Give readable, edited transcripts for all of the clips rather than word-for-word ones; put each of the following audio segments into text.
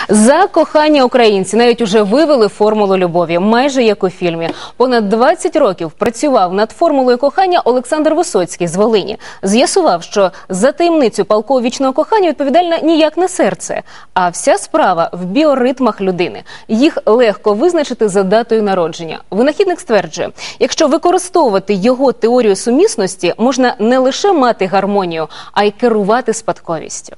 За кохання українці навіть уже вивели формулу любові, майже як у фільмі. Понад 20 років працював над формулою кохання Олександр Висоцький з Волині. З'ясував, що за таємницю палкого вічного кохання відповідальне ніяк не серце, а вся справа в біоритмах людини. Їх легко визначити за датою народження. Винахідник стверджує, якщо використовувати його теорію сумісності, можна не лише мати гармонію, а й керувати спадковістю.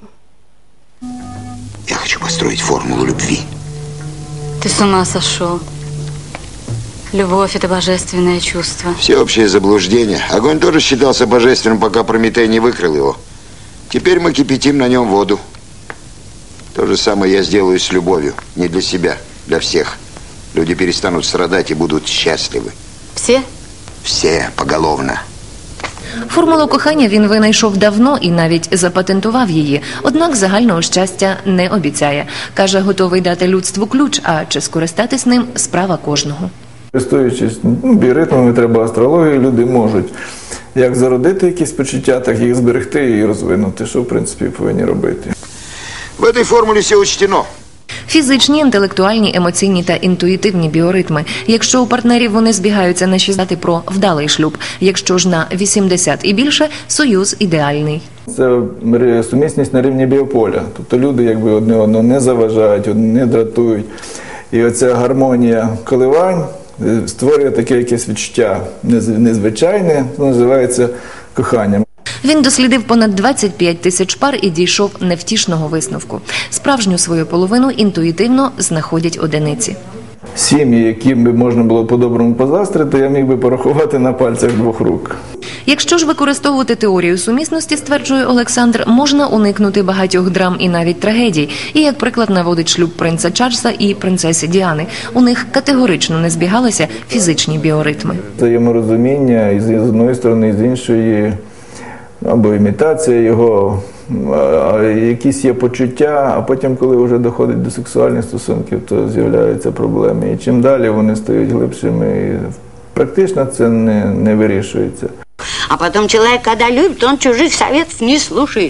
Я хочу построить формулу любви. Ты с ума сошел. Любовь – это божественное чувство. Всеобщее заблуждение. Огонь тоже считался божественным, пока Прометей не выкрыл его. Теперь мы кипятим на нем воду. То же самое я сделаю с любовью. Не для себя, для всех. Люди перестанут страдать и будут счастливы. Все? Все, поголовно. Формулу кохання він винайшов давно і навіть запатентував її. Однак загального щастя не обіцяє. Каже, готовий дати людству ключ, а чи скористатись ним – справа кожного. Користуючись біоритмами, треба астрологію, люди можуть як зародити якісь почуття, так їх зберегти і розвинути, що в принципі повинні робити. В этой формуле все учтено. Фізичні, інтелектуальні, емоційні та інтуїтивні біоритми. Якщо у партнерів вони збігаються на 60 про вдалий шлюб, якщо ж на 80 і більше – союз ідеальний. Це сумісність на рівні біополя. Тобто люди якби одне одного не заважають, не дратують. І оця гармонія коливань створює таке якесь відчуття незвичайне, називається коханням. Він дослідив понад 25 тисяч пар і дійшов невтішного висновку. Справжню свою половину інтуїтивно знаходять одиниці. Сім'ї, яким би можна було по-доброму позаздрити, я міг би порахувати на пальцях двох рук. Якщо ж використовувати теорію сумісності, стверджує Олександр, можна уникнути багатьох драм і навіть трагедій. І, як приклад, наводить шлюб принца Чарльза і принцеси Діани. У них категорично не збігалися фізичні біоритми. Взаєморозуміння і з одної сторони, і з іншої, або імітація його, якісь є почуття, а потім, коли вже доходить до сексуальних стосунків, то з'являються проблеми. І чим далі вони стають глибшими, і практично це не вирішується. А потом человек, когда любит, он чужих советов не слушает.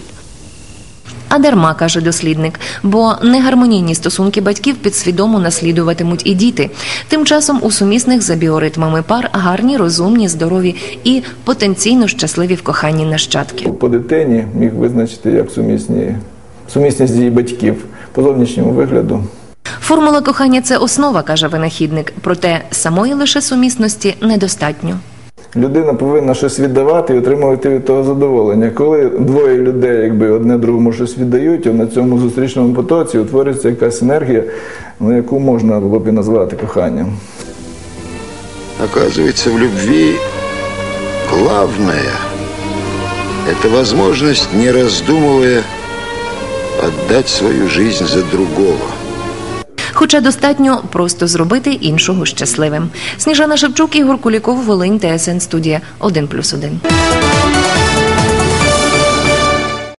А дарма, каже дослідник, бо негармонійні стосунки батьків підсвідомо наслідуватимуть і діти. Тим часом у сумісних за біоритмами пар гарні, розумні, здорові і потенційно щасливі в коханні нащадки. По дитині міг визначити як сумісність її батьків по зовнішньому вигляду. Формула кохання – це основа, каже винахідник, проте самої лише сумісності недостатньо. Людина повинна щось віддавати і отримувати від того задоволення. Коли двоє людей якби одне другому щось віддають, на цьому зустрічному потоці утворюється якась енергія, яку можна було б і назвати коханням. Оказывается, в любви главное – это возможность, не раздумывая, отдать свою жизнь за другого. Хоча достатньо просто зробити іншого щасливим. Сніжана Шевчук, Ігор Куліков, Волинь, ТСН Студія 1+1.